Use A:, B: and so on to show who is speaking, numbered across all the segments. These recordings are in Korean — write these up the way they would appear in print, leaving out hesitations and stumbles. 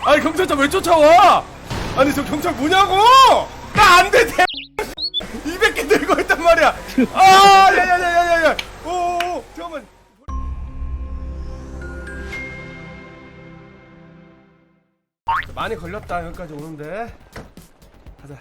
A: 아니 경찰차 왜 쫓아와? 아니 저 경찰 뭐냐고? 나 안 돼. 200개 들고 있단 말이야. 아, 야야야야야야. 오, 잠깐만. 많이 걸렸다 여기까지 오는데. 가자.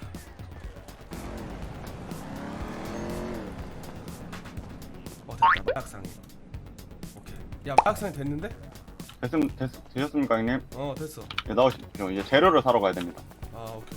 A: 됐다. 마약상이. 오케이. 야 마약상이 됐는데?
B: 되셨습니까, 형님?
A: 됐어.
B: 네, 나오십시오. 이제 재료를 사러 가야 됩니다.
A: 아 오케이.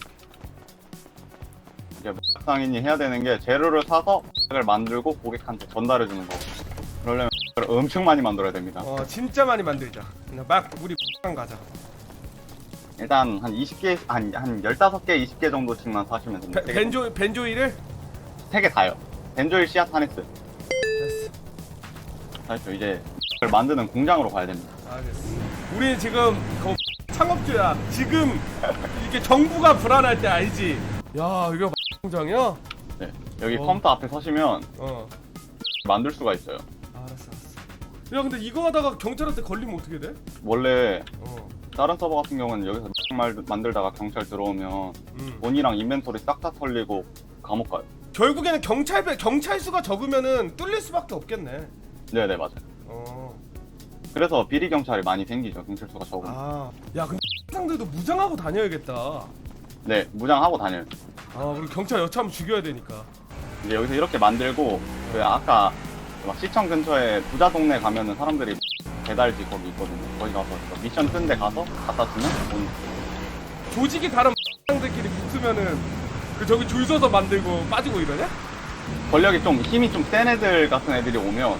B: 이제 상인이 해야 되는 게 재료를 사서 을 만들고 고객한테 전달해 주는 거. 그러려면 엄청 많이 만들어야 됩니다.
A: 진짜 많이 만들자. 그냥 막 우리 가자.
B: 일단 한 20개, 한 15개, 20개 정도씩만 사시면 됩니다.
A: 벤조이를?
B: 3개 다요. 벤조일, 씨앗, 하네스.
A: 됐어.
B: 알죠? 이제 그걸 만드는 공장으로 가야 됩니다.
A: 알겠어. 우리 지금 창업주야. 지금 이게 정부가 불안할 때 알지? 야 이거 공장이야?
B: 네. 여기 컴퓨터 앞에 서시면 만들 수가 있어요.
A: 알았어. 야 근데 이거 하다가 경찰한테 걸리면 어떻게 돼?
B: 원래 다른 서버 같은 경우는 여기서 만들다가 경찰 들어오면 돈이랑 인벤토리 싹 다 털리고 감옥 가요.
A: 결국에는 경찰 수가 적으면은 뚫릴 수밖에 없겠네.
B: 네네, 맞아요. 그래서 비리 경찰이 많이 생기죠. 경찰 수가 적으면.
A: 야 근데 상들도 무장하고 다녀야겠다.
B: 네, 무장하고 다녀요.
A: 우리 경찰 여차하면 죽여야 되니까.
B: 이제 여기서 이렇게 만들고 그 아까 막 시청 근처에 부자 동네 가면은 사람들이 배달지 거기 있거든요. 거기 가서 미션 뜬 데 가서 갖다 주면 돈.
A: 조직이 다른 상들끼리 붙으면은 그 저기 줄 서서 만들고 빠지고 이러냐?
B: 권력이 좀 힘이 좀 센 애들 같은 애들이 오면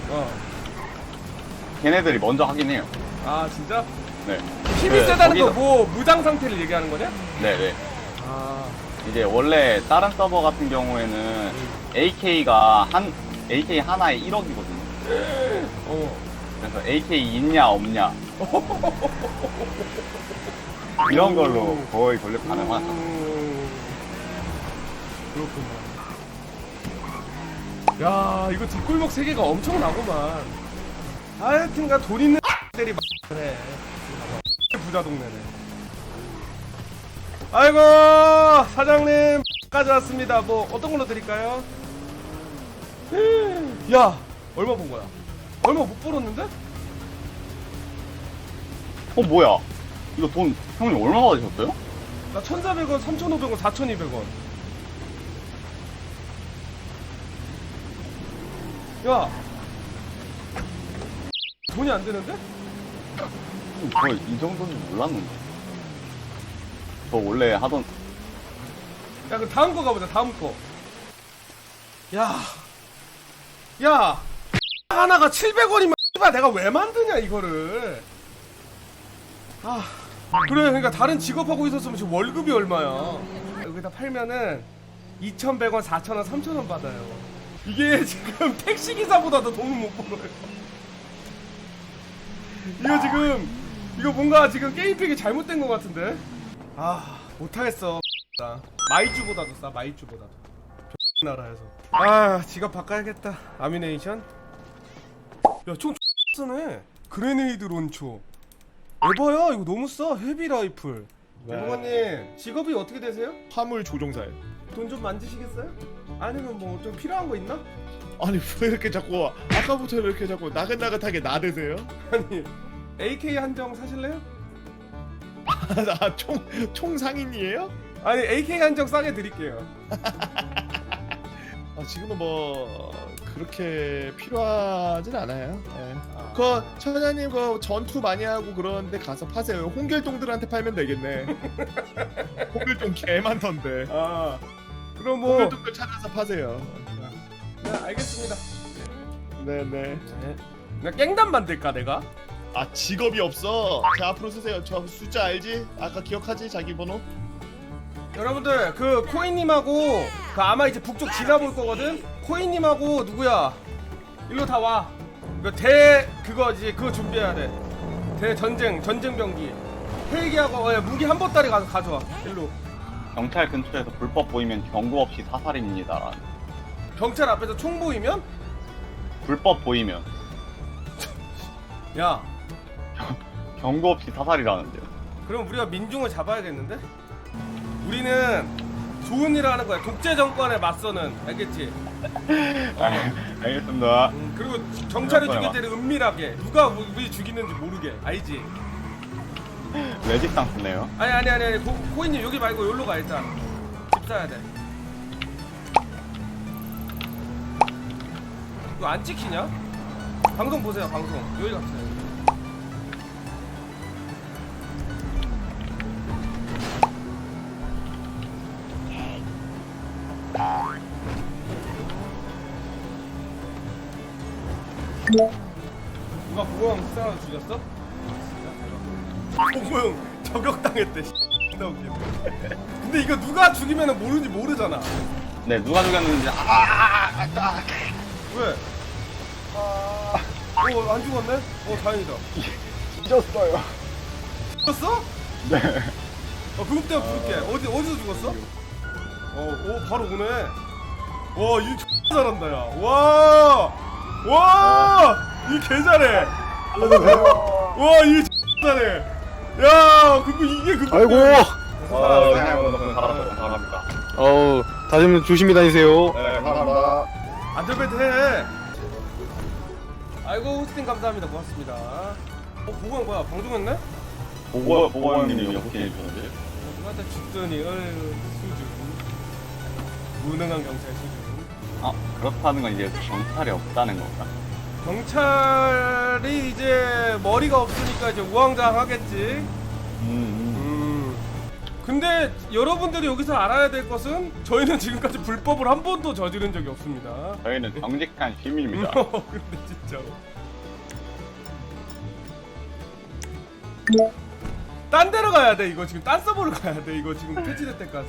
B: 걔네들이 먼저 하긴 해요.
A: 아 진짜?
B: 네.
A: 힘이 세다는 거 뭐 무장 상태를 얘기하는 거냐?
B: 네네. 이제 원래 다른 서버 같은 경우에는 AK 하나에 1억이거든요. 그래서 AK 있냐 없냐 이런 걸로 거의 권력 가능하죠.
A: 그렇구나. 야 이거 뒷골목 세계가 엄청나구만. 하여튼가 돈 있는 들이 많네. 부자 동네네. 아이고 사장님 가져왔습니다. 뭐 어떤 걸로 드릴까요? 야 얼마 본 거야? 얼마 못 벌었는데?
B: 뭐야? 이거 돈 형님 얼마 받으셨어요?
A: 나 1,400원, 3,500원, 4,200원. 야 돈이 안 되는데?
B: 저 이 정도는 몰랐는데. 저 원래 하던.
A: 야 그럼 다음 거 가보자. 다음 거. 야 하나가 700원이면 내가 왜 만드냐 이거를. 그래 그러니까 다른 직업하고 있었으면 지금 월급이 얼마야. 여기다 팔면은 2,100원, 4,000원, 3,000원 받아요. 이게 지금 택시기사보다도 돈을 못 벌어요. 이거 지금 이거 뭔가 지금 게임팩이 잘못된 것 같은데. 못하겠어. 마이쮸보다도 싸. 마이쮸보다도 나라에서. 지갑 바꿔야겠다. 아미네이션. 야 총 쓰네. 그레네이드 론초. 에바야 이거 너무 싸. 헤비 라이플. 대공관님 직업이 어떻게 되세요?
C: 화물 조종사예요.
A: 돈 좀 만지시겠어요? 아니면 뭐 좀 필요한 거 있나?
C: 아니 왜 이렇게 자꾸 아까부터 이렇게 자꾸 나긋나긋하게 나대세요?
A: 아니 AK 한정 사실래요?
C: 총 상인이에요?
A: 아니 AK 한정 싸게 드릴게요.
C: 지금은 뭐 그렇게 필요하진 않아요. 그 처자님 그 전투 많이 하고 그러는데 가서 파세요. 홍길동들한테 팔면 되겠네. 홍길동 개 많던데.
A: 그럼 뭐
C: 홍길동들 찾아서 파세요.
A: 네 알겠습니다.
C: 네네.
A: 나 깽단 만들까 내가?
C: 직업이 없어. 자 앞으로 쓰세요. 저 숫자 알지? 아까 기억하지? 자기 번호?
A: 여러분들 그 코인님하고 그 아마 이제 북쪽 지나볼 거거든? 코인님하고 누구야? 일로 다 와. 그거 이제 그거 준비해야 돼. 전쟁병기 헬기하고 무기 한 보따리 가서 가져와. 일로.
B: 경찰 근처에서 불법 보이면 경고 없이 사살입니다.
A: 경찰 앞에서 총 보이면?
B: 불법 보이면
A: 야
B: 경고 없이 사살이라는데요.
A: 그럼 우리가 민중을 잡아야겠는데? 우리는 좋은 일을 하는 거야. 독재 정권에 맞서는. 알겠지?
B: 알겠습니다.
A: 그리고 경찰이
B: 그럴
A: 죽일
B: 거야.
A: 때는 은밀하게. 누가 우리 죽이는지 모르게. 알지?
B: 레지스탕스네요.
A: 아니. 코인님 여기 말고 여기로 가 일단. 집 사야 돼. 이거 안 찍히냐? 방송 보세요, 방송. 여기 갑시다. 누가 보고형 싸워 죽였어? 보고형 저격당했대. 나 웃기네. 근데 이거 누가 죽이면 모르는지 모르잖아.
B: 네, 누가 죽였는지
A: 왜? 안 죽었네? 다행이다.
B: 잊었어요.
A: 죽었어?
B: 네.
A: 그것 때문에 부를게. 어디서 죽었어? 바로 오네. 와, 이 X 잘한다, 야. 와, 이 개 잘해. 와, 이 X 잘해. 야, 이게 그거.
D: 아이고.
B: 그냥 감사합니다.
D: 다들 조심히 다니세요.
B: 네, 감사합니다.
A: 안전벨트 해. 아이고, 호스팅 감사합니다. 고맙습니다. 보고한 뭐야? 방송했네?
B: 보고형님이 어떻게 해주셨는지?
A: 누구한테 죽더니, 수준. 무능한 경찰 수준.
B: 그렇다는 건 이제 경찰이 없다는 건가?
A: 경찰이 이제 머리가 없으니까 이제 우왕좌왕하겠지. 근데 여러분들이 여기서 알아야 될 것은 저희는 지금까지 불법을 한 번도 저지른 적이 없습니다.
B: 저희는 정직한 시민입니다.
A: 근데 진짜 딴 데로 가야 돼. 이거 지금 딴 서버로 가야 돼. 이거 지금 패치될 때까지.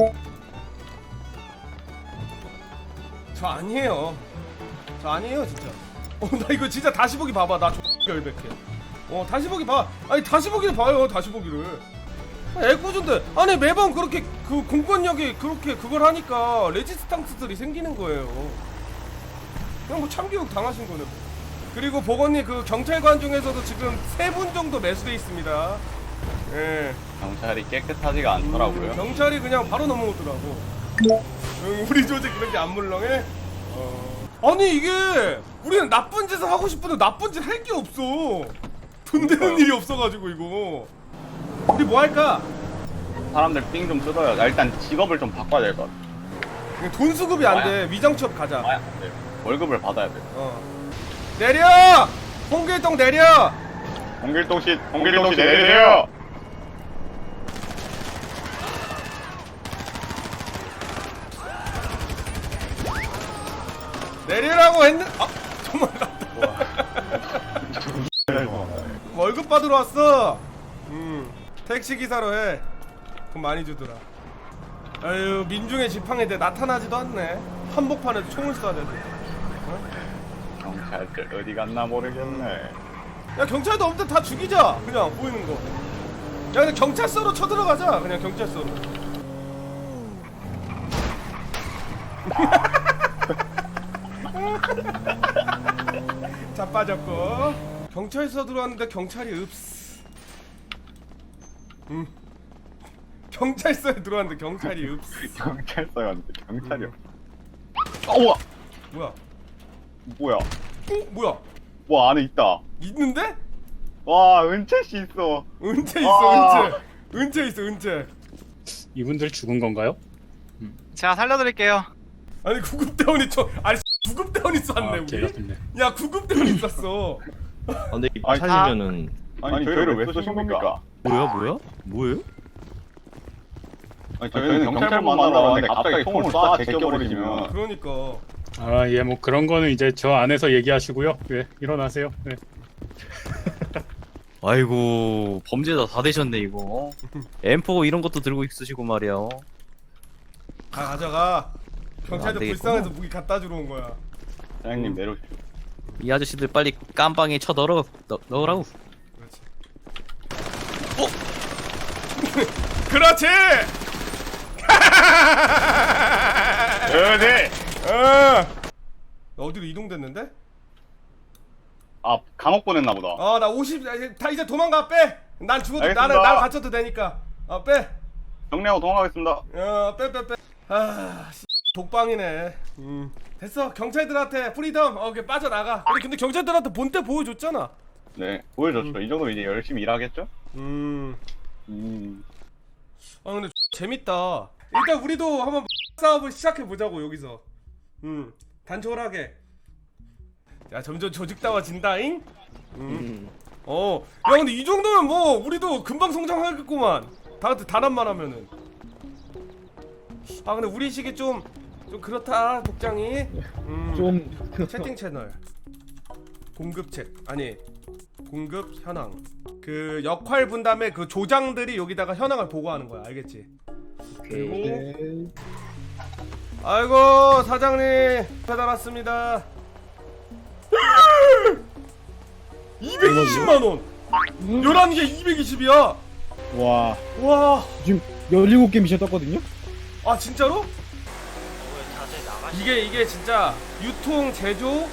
A: 저 아니에요. 진짜. 나 이거 진짜 다시 보기 봐봐. 나 열백해. 다시 보기 봐. 아니 다시 보기를 봐요. 다시 보기를. 애꿎은데 아니 매번 그렇게 그 공권력이 그렇게 그걸 하니까 레지스탕스들이 생기는 거예요. 그냥 뭐 참교육 당하신 거네. 그리고 보건님 그 경찰관 중에서도 지금 3분 정도 매수돼 있습니다. 예.
B: 경찰이 깨끗하지가 않더라고요.
A: 경찰이 그냥 바로 넘어오더라고. 우리 조직 그렇게 안 물렁해? 아니 이게 우리는 나쁜 짓을 하고 싶은데 나쁜 짓 할 게 없어. 돈 되는 일이 없어가지고 이거. 우리 뭐 할까?
B: 사람들 삥 좀 뜯어요. 일단 직업을 좀 바꿔야 될 것 같아.
A: 돈 수급이 안 돼. 위장 취업 가자.
B: 안 돼요. 월급을 받아야 돼요.
A: 내려! 홍길동 내려!
B: 홍길동 씨 내리세요.
A: 내리라고 했는. 정말 났다. 월급 받으러 왔어. 택시 기사로 해. 돈 많이 주더라. 아유 민중의 지팡이인데 나타나지도 않네. 한복판에서 총을 쏴야 돼.
B: 경찰들 어디 갔나 모르겠네.
A: 야 경찰도 없는데 다 죽이자. 그냥 보이는 거. 야 근데 경찰서로 쳐들어가자. 그냥 경찰서로. 자 빠졌고. 경찰서 들어왔는데 경찰이 없어. 경찰서에 들어왔는데 경찰이 없어.
B: 경찰서에 왔는데 경찰이 없어. 우와.
A: 뭐야?
B: 뭐야?
A: 뭐야?
B: 와 안에 있다.
A: 있는데?
B: 와 은채 씨 있어.
A: 은채 있어. 은채 있어. 은채.
E: 이분들 죽은 건가요?
F: 제가 살려드릴게요.
A: 아니 구급대원이 구급대원이 쐈네 우리.
E: 개같은데.
A: 야 구급대원이 쐈어.
D: 근데
B: 아니,
D: 사시면은
B: 아니 저희를 왜 쏘신 겁니까?
D: 뭐예요?
B: 아니 저희는 경찰만 만나러 왔는데 갑자기 총을 쏴 제껴버리시면.
A: 그러니까.
E: 예, 뭐 그런 거는 이제 저 안에서 얘기하시고요. 예, 일어나세요. 네.
D: 아이고 범죄자 다 되셨네 이거. M4 이런 것도 들고 있으시고 말이야.
A: 다 가져가. 경찰들
D: 안 되겠구나.
A: 불쌍해서 무기 갖다 주러 온 거야.
B: 사장님 내려오십시오.
D: 이 아저씨들 빨리 깜빵에 쳐 넣으라고.
A: 그렇지.
B: 네.
A: 어디로 이동됐는데?
B: 아 감옥 보냈나 보다.
A: 나 50. 다 이제 도망가 빼. 난 죽어도
B: 알겠습니다.
A: 날 갇혀도 되니까. 빼.
B: 정리하고 도망가겠습니다.
A: 빼. 독방이네. 됐어. 경찰들한테 프리덤. 오케이, 빠져나가. 우리 근데 경찰들한테 본때 보여줬잖아.
B: 네, 보여줬죠. 이 정도면 이제 열심히 일하겠죠?
A: 근데 재밌다. 일단 우리도 한번 싸움을 시작해 보자고 여기서. 단촐하게. 야, 점점 조직다워진다잉. 야, 근데 이 정도면 뭐 우리도 금방 성장하겠구만. 단합만 하면은. 근데 우리 식이 좀 그렇다, 복장이.
G: 좀
A: 채팅 채널. 공급 챗. 아니, 공급 현황. 그 역할 분담의 그 조장들이 여기다가 현황을 보고하는 거야. 알겠지? 그리고
G: 네.
A: 아이고, 사장님 배달 왔습니다. 220만 원. 11개 220이야.
G: 와
A: 와.
G: 지금 17개 미션 떴거든요?
A: 아, 진짜로? 이게 진짜 유통 제조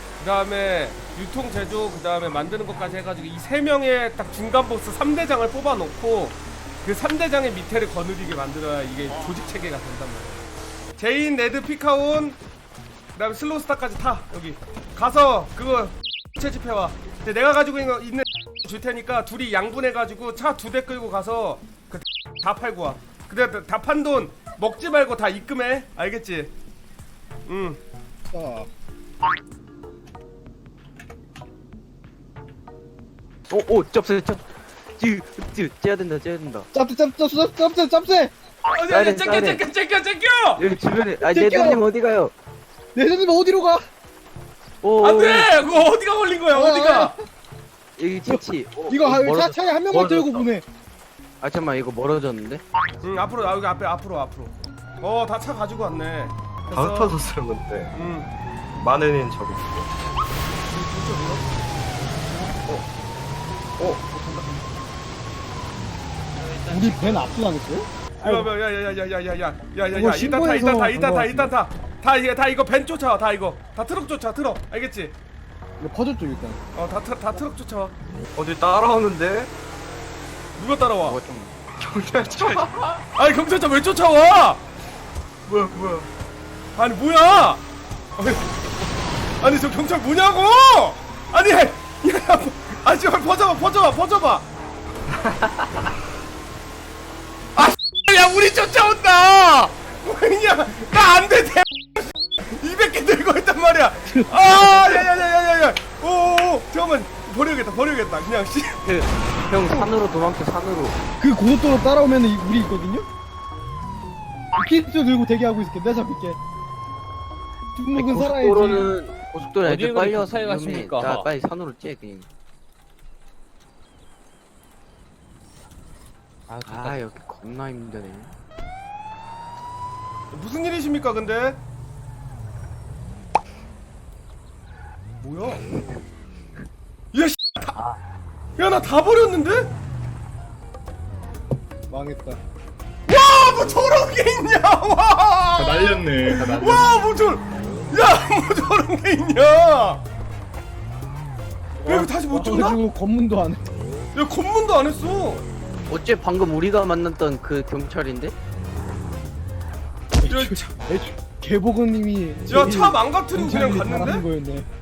A: 그다음에 만드는 것까지 해가지고 이 3명의 딱 중간 보스 3대장을 뽑아놓고 그 3대장의 밑에를 거느리게 만들어야 이게 조직 체계가 된단 말이야. 제인, 레드, 피카온, 그다음에 슬로우스타까지 타. 여기 가서 그거 채집해와. 근데 내가 가지고 있는 줄 테니까 둘이 양분해가지고 차 2대 끌고 가서 그 다 팔고 와. 근데 다 판 돈 먹지 말고 다 입금해. 알겠지?
G: 자
H: 오, 짭새. 째야 된다.
G: 짭새
A: 아니,
H: 사이렌.
A: 째껴!
H: 여기 주변에,
G: 째껴!
H: 내드님 어디 가요?
G: 내년님 어디로 가?
H: 오,
A: 안돼! 그거 어디가 걸린 거야? 어디가?
H: 여기 채치.
G: 이거 차에 한 명만 들고 보내.
H: 아, 잠깐만, 이거 멀어졌는데?
A: 앞으로 여기 앞으로. 다 차 가지고 왔네.
I: 다터서 쓰는 건데 마늘은 저기
G: 우리 벤 압수당했어요?
A: 야야야야야야야야야야
G: 그거 신고해서
A: 일단 다 이거 벤 쫓아와. 다 이거 다 트럭 쫓아. 트럭 알겠지?
G: 이거 퍼졌죠 일단.
A: 다 트럭 쫓아와.
I: 어디 따라오는데
A: 누가 따라와?
H: 뭐가 좀.
I: 경찰차
A: 아니, 경찰차 왜 쫓아와?
I: 뭐야
A: 아니, 뭐야? 아니, 저 경찰 뭐냐고? 아니, 야, 아니, 퍼져봐. 야, 우리 쫓아온다. 뭐냐? 나 안 돼. 200개 들고 있단 말이야. 야야야야야야. 오, 잠깐만. 버려야겠다. 그냥 씨.
H: 형, 산으로 도망쳐, 산으로.
G: 그 고속도로 따라오면 우리 있거든요? 키트 들고 대기하고 있을게. 내가 잡힐게. 뒷목은 살아야지.
H: 고속도로는
J: 어디에
H: 애들 빨리
J: 그렇게
H: 와서
J: 가까이
H: 위험해.
J: 가십니까?
H: 나 빨리 산으로 째, 그냥. 아, 여기 겁나 힘드네.
A: 무슨 일이십니까, 근데? 뭐야? 야, 씨. 야, 나 다 버렸는데?
G: 망했다.
A: 와, 뭐 저런 게 있냐? 와!
C: 날렸네.
A: 와, 뭐 저런 게 있냐? 야, 이거 다시 못 줬나?
G: 그래가지고 검문도 안 해.
A: 야, 검문도 안 했어.
H: 어째 방금 우리가 만났던 그 경찰인데?
A: 야,
G: 개보건님이
A: 차 망가뜨리고 그냥
G: 잘하는
A: 갔는데?
G: 거였네.